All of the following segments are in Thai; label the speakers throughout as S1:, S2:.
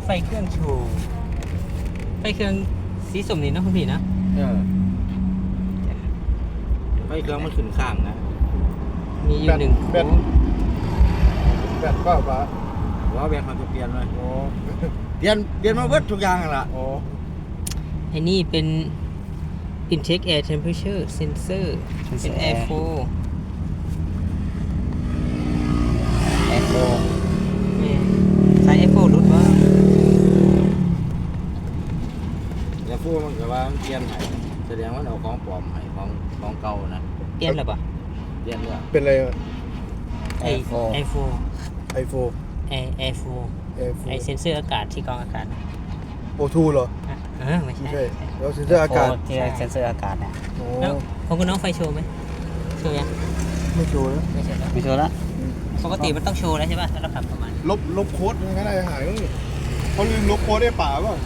S1: ไฟเครื่องโชว์ไฟเครื่องสีส้มนี่นะคุณพี่นะ
S2: ไฟเครื่องมันขึ้นข้างนะ
S1: มีอยู่หนึ่ง
S3: แบตเปล่าปะ
S2: ว่าแบงค์เขาจะเปลี่ยนเลย
S3: โอ้
S2: เปลี่ยนมาเบิดทุกอย่างละ
S3: โอ้
S1: ไอ้นี่เป็น intake air temperature sensor เป็น air flow สาย air flow รุดว่า
S2: แล้วพูดมันก็ว่ามันเปลี่ยนให้แสดงว่าเอาของปลอมให้ของเก่านะ
S1: เปลี่ยนหรือเปล่า
S2: เปลี่ยนเนี่ย
S3: เป็นอะไร
S1: ไอ air flow
S3: ไอโฟ
S1: air flow ไอเซนเซอร์อากาศที่กรองอากาศ
S3: โอทูเหรอ
S1: ไม่
S3: ไม่
S1: ใช่
S3: ใช่แล้วเซ็นเซอร์อากาศ
S4: ที่เซ็นเซอร์อากาศเนี่ย
S3: โอ้
S1: แล้วของคุณน้องไฟโชว์ไหมโชว์ยัง
S3: ไม่โชว์แล้ว
S1: ไม่ใช่แล้ว
S4: ไม่ชัวร์ละ
S1: ปกติมันต้องโชว์แล้วใช่ป่ะถ้าเราขับประมาณ
S3: ลบโค้ดยังไงได้หายมั้งนี่เขาลืมลบโค้ดได้ป่าเปล่า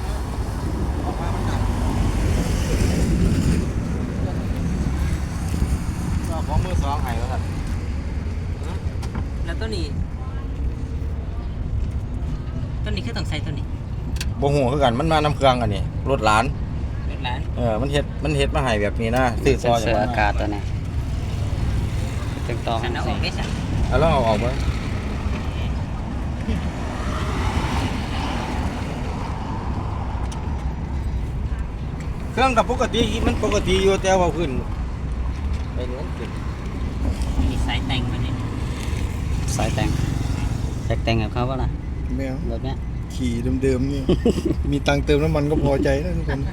S2: เอาของมือสองให้แล้วกัน
S1: แล้วต้นนี้คือต้องใส่ต้นนี้
S2: บ่ฮู้คือกันมันมานำเครื่องกันนี่รถหลาน
S1: รถร้าน
S2: มันเฮ็ดมาให้แบบนี้นะซื้อ
S4: เซ็
S2: ซ
S4: น
S2: อย
S4: เซอร์อากาศตัวนี้ตึงต่อ
S1: ฉันเอาออกได้สั่ง
S2: แล้วเอาออกมาเครื่องกับปกติมันปกติอยู่แต่ว่าขึ้นไปนู้นขึ้น
S1: มีสายแต่งมาเนี่ย
S4: สายแต่งอยากแต่งกับเขาป่ะล่ะ
S3: ไม่เอา
S4: แบบเนี้ย
S3: ขี่เดิมๆนี่ มีตังค์เติมน้ำมันก็พอใจแล้วทุกคน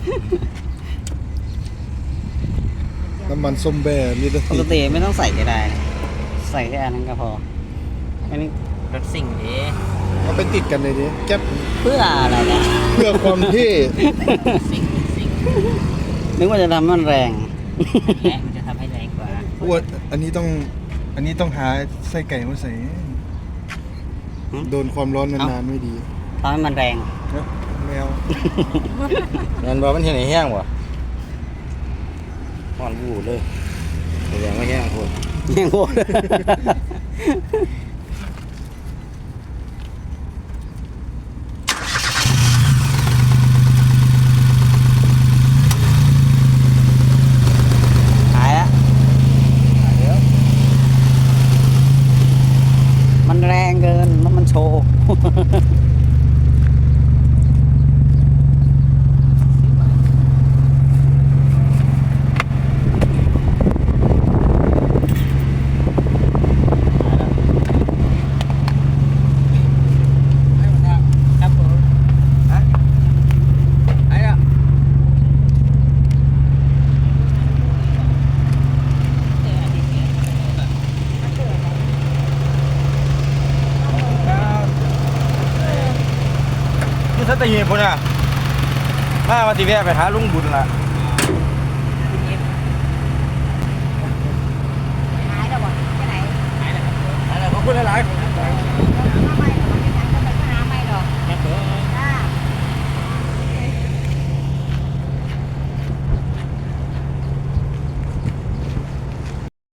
S3: น้ำมันส้มแบ่มีแต่
S4: ปกติไม่ต้องใส่ก็ได้นะใส่แค่อันนั้นก็พออันนี้
S1: รถสิ่งนี้
S3: เอาไปติดกันเลยดิแก๊ป
S4: เพื่ออะไรเนี่ย
S3: เพื่อความเท่
S1: สิ่ง
S4: นึกว่าจะทำมันแรง
S1: และมันจะทำให้แรงกว่า
S3: อ้วนอันนี้ต้องหาไส้ไก่มาใส่โดนความร้อนนานๆไม่ดี
S4: ทำให้มันแรง
S3: แมว
S2: นั่นบ่มันเห็นไอ้แห้งบ่ฮ้อนบูดเลยแสดงว่าแห้งโพด
S4: ยังโง่หายแล้วมันแรงเกินแล้วมันโชว์
S1: ครับผม
S2: ไอ้อะ นี่สัตหีบพุ่นน่ะมาว่าสิแวะไปหาลุงบุญล่ะ
S1: หายแล้วบ่ไปไหนหายแล้วครับ
S2: ขอบคุณหลายๆ